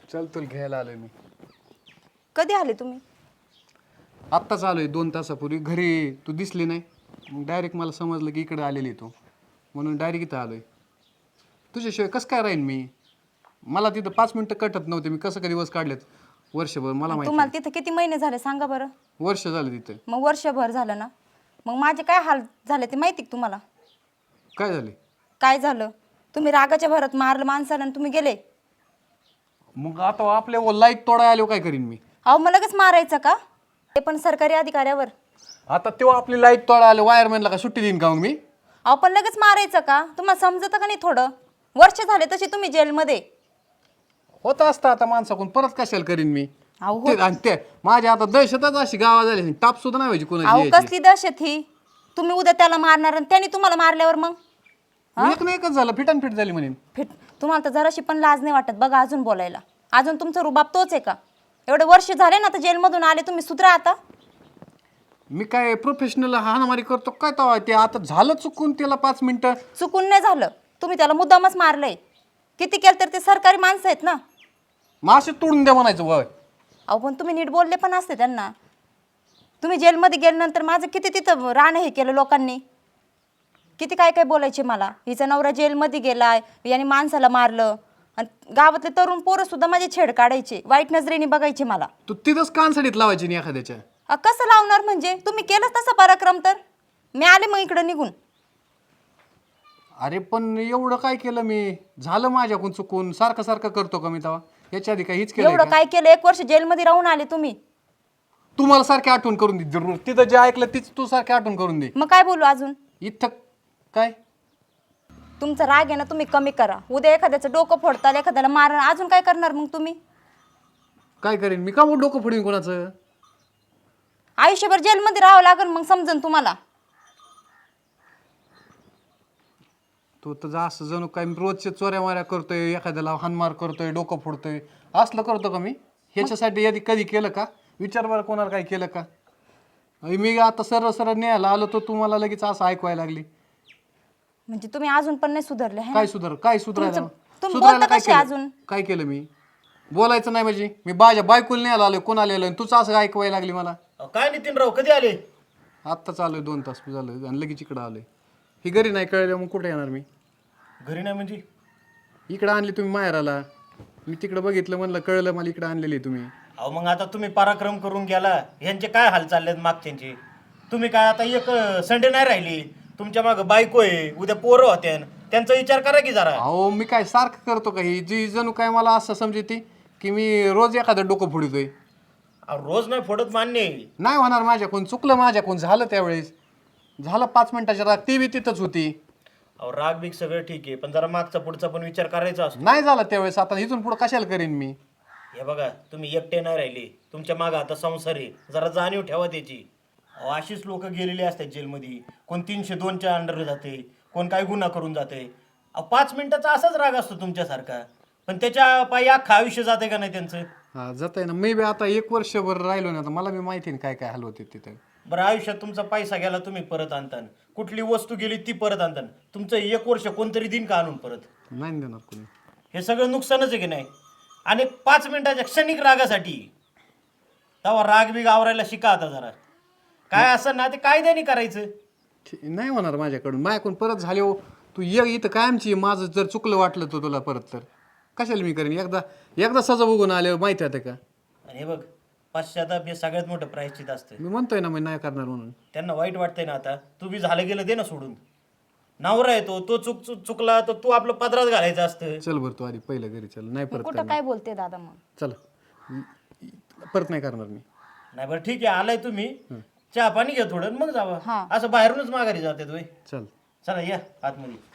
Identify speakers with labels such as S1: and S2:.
S1: चल तुला घ्यायला आलोय मी.
S2: कधी आले तुम्ही?
S1: आत्ताच आलोय 2 तासापूर्वी. घरी तू दिसली नाही, मग डायरेक्ट मला समजलं की इकडे आलेली तू, म्हणून डायरेक्ट इथं आलोय. तुझ्याशिवाय कसं काय राहीन मी? मला तिथं 5 मिनिटं कटत नव्हते. मी कसं काय दिवस काढलेत वर्षभर मला माहिती.
S2: तुम्हाला तिथे किती महिने झाले सांगा बरं?
S1: वर्ष झालं तिथं.
S2: मग वर्षभर झालं ना, मग माझे काय हाल झाले ते माहिती का तुम्हाला?
S1: काय झाले?
S2: काय झालं? तुम्ही रागाच्या भरात मारलं माणसाला आणि तुम्ही गेले.
S1: मग आता आपल्या लाईट तोडाय आलो काय करीन मी?
S2: अहो मग लगेच मारायचं का? ते पण सरकारी अधिकाऱ्यावर.
S1: आता तेव्हा आपली लाईट तोडाय आलो, वायरमॅनला का सुट्टी देईन का मग मी?
S2: अहो पण लगेच मारायचं का? तुम्हाला समजतं का नाही थोडं? वर्ष झाले तसे तुम्ही जेलमध्ये.
S1: होत असतं आता माणसाकडून, परत कशाला करीन मी?
S2: अहो
S1: ते आणि ते माझ्या आता दहशतच अशी गावा झाली, टाप सुद्धा नाही व्हायची
S2: अहो
S1: कोणाची यायची.
S2: कसली दहशत ही? तुम्ही उद्या त्याला मारणार आणि त्याने तुम्हाला मारल्यावर मग
S1: एक ना एकच झालं, फिट झाली म्हणेन.
S2: फिट. तुम्हाला तर जराशी पण लाज नाही वाटत बघा अजून बोलायला. अजून तुमचा रुबाब तोच आहे का? एवढे वर्ष झाले ना, तर जेलमधून आले तुम्ही, सुधरा आता.
S1: मी काय प्रोफेशनल हाणामारी करतो काय तेव्हा? ते आता झालं चुकून, त्याला 5 मिनिटं.
S2: चुकून नाही झालं, तुम्ही त्याला मुद्दामच मारलंय. किती केलं तर ते सरकारी माणसं आहेत ना.
S1: मासे तोडून द्या म्हणायचं वय.
S2: अहो पण तुम्ही नीट बोलले पण असते त्यांना. तुम्ही जेलमध्ये गेल्यानंतर माझं किती तिथं राहणं हे केलं लोकांनी. किती काय काय बोलायचे मला, हिचा नवरा जेलमध्ये गेलाय याने माणसाला मारलं. आणि गावातले तरुण पोरं सुद्धा माझे छेड काढायचे, वाईट नजरेने बघायचे मला.
S1: तू तिथंच कानसडीत लावायची नाही एखाद्याच्या.
S2: कसं लावणार म्हणजे? तुम्ही केलंच तसा पराक्रम तर मी आले मग इकडं निघून.
S1: अरे पण एवढं काय केलं मी? झालं माझ्याकडून चुकून. सारखं सारखं करतो का मी तेव्हा? याच्या आधी काय हीच केलं?
S2: एवढं काय केलं? 1 वर्ष जेलमध्ये राहून आले तुम्ही.
S1: तू मला सारखी आठवण करून दे जरूर. तिथं जे ऐकलं तीच तू सारखी आठवण करून दे.
S2: मग काय बोलू अजून?
S1: इथं काय?
S2: तुमचा राग आहे ना, तुम्ही कमी करा. उद्या एखाद्याचं डोकं फोडताल, एखाद्याला मारण, अजून काय करणार मग तुम्ही?
S1: काय करेन मी? का मग डोकं फोडीन कोणाचं?
S2: आयुष्यभर जेलमध्ये राहावं लागेल मग समजन तुम्हाला.
S1: तू तर असं जणू काय रोजच्या चोऱ्या माऱ्या करतोय, एखाद्याला हानमार करतोय, डोकं फोडतोय, असलं करतो का मी? ह्याच्यासाठी आधी कधी केलं का? विचार बरं कोणाला काय केलं का? मी आता सरळ सरळ न्यायला आलो तर तुम्हाला लगेच असं ऐकवायला लागली.
S2: म्हणजे तुम्ही अजून पण नाही सुधारले है ना?
S1: काय सुधारायला?
S2: तुम्ही
S1: सुधारायला
S2: बोलता
S1: काय
S2: कसे
S1: केलं?
S2: अजून?
S1: काय केलं मी? बोलायचं नाही म्हणजे मी माझ्या बायकोला न्यायला आलोय, कोणाला आलोय, तुझं असं ऐकवायला लागली मला.
S3: काय नितीनराव कधी आले?
S1: आत्ताच आलोय, 2 तास झालं आणि लगेच इकडं आलोय. ही घरी नाही कळलं मग कुठे येणार मी?
S3: घरी नाही म्हणजे?
S1: इकडं आणली तुम्ही माहेराला. मी तिकडं बघितलं, म्हणलं कळलं मला इकडं आणलेली तुम्ही.
S3: अहो मग आता तुम्ही पराक्रम करून गेला, यांचे काय हाल चाललेत मागच्यांचे? तुम्ही काय आता एक संडे नाही राहिली, तुमच्या मागं बायको आहे, उद्या पोरं होते, त्यांचा विचार करा की जरा.
S1: अहो मी काय सारखं करतो का? ही जी जणू काय मला असं समजते की मी रोज एखादं डोकं फोडतोय.
S3: अहो, रोज नाही फोडत मान्य आहे.
S1: नाही होणार माझ्याकडून, चुकलं माझ्याकडून, झालं त्यावेळेस. झालं 5 मिनिटाच्या राग, ती बी तिथंच होती.
S3: अहो राग बीग सगळं ठीक आहे, पण जरा मागचा पुढचा पण विचार करायचा असतो.
S1: नाही झालं त्यावेळेस, आता इथून पुढं कशाला करीन मी?
S3: हे बघा, तुम्ही एकटे नाही राहिले, तुमच्या मागं आता संसार आहे, जरा जाणीव ठेवा त्याची. अहो अशीच लोक गेलेली असतात जेलमध्ये. कोण 302च्या अंडर जाते, कोण काय गुन्हा करून जाते. अहो 5 मिनिटाचा असाच राग असतो तुमच्यासारखा, पण त्याच्या पायी अख्खं आयुष्य जाते का नाही त्यांचं?
S1: हा जात आहे ना. मी बी आता 1 वर्षभर राहिलो ना, आता मला बी माहिती आहे काय काय हाल होते तिथे.
S3: बरं, आयुष्यात तुमचा पैसा गेला तुम्ही परत आणतान, कुठली वस्तू गेली ती परत आणतान, तुमचं 1 वर्ष कोणतरी दिन का आणून परत?
S1: नाही देणार कोणी.
S3: हे सगळं नुकसानच आहे की नाही? आणि 5 मिनिटाच्या क्षणिक रागासाठी तेव्हा राग बी आवरायला शिका आता जरा. काय असं ना ते कायद्याने करायचं.
S1: नाही होणार माझ्याकडून परत झाले हो. तू ये इथं कायमची. माझं जर चुकलं वाटलं तर तुला परत, तर कशाला मी करेन? एकदा सजा बघून आले माहिती आहे का?
S3: आणि हे बघ, पश्चाताप हे सगळ्यात मोठं प्रायश्चित असतं.
S1: मी म्हणतोय ना मी नाही करणार म्हणून.
S3: त्यांना वाईट वाटतंय ना, आता तू बी झालं गेलं दे ना सोडून. नवरा आहे तो चुकला तर तू आपलं पदरात घालायचं असतं.
S1: चल बरं, तू आधी पहिलं घरी चल. नाही परत
S2: कुठं
S1: करणार.
S2: काय बोलते दादा मग?
S1: चला, परत नाही करणार मी.
S3: नाही बरं ठीक आहे, आलाय तुम्ही, चहा पाणी घ्या थोडं मग जावा.
S2: हा.
S3: असं बाहेरूनच माघारी जाते तुम्ही.
S1: चल.
S3: चला या आतमध्ये.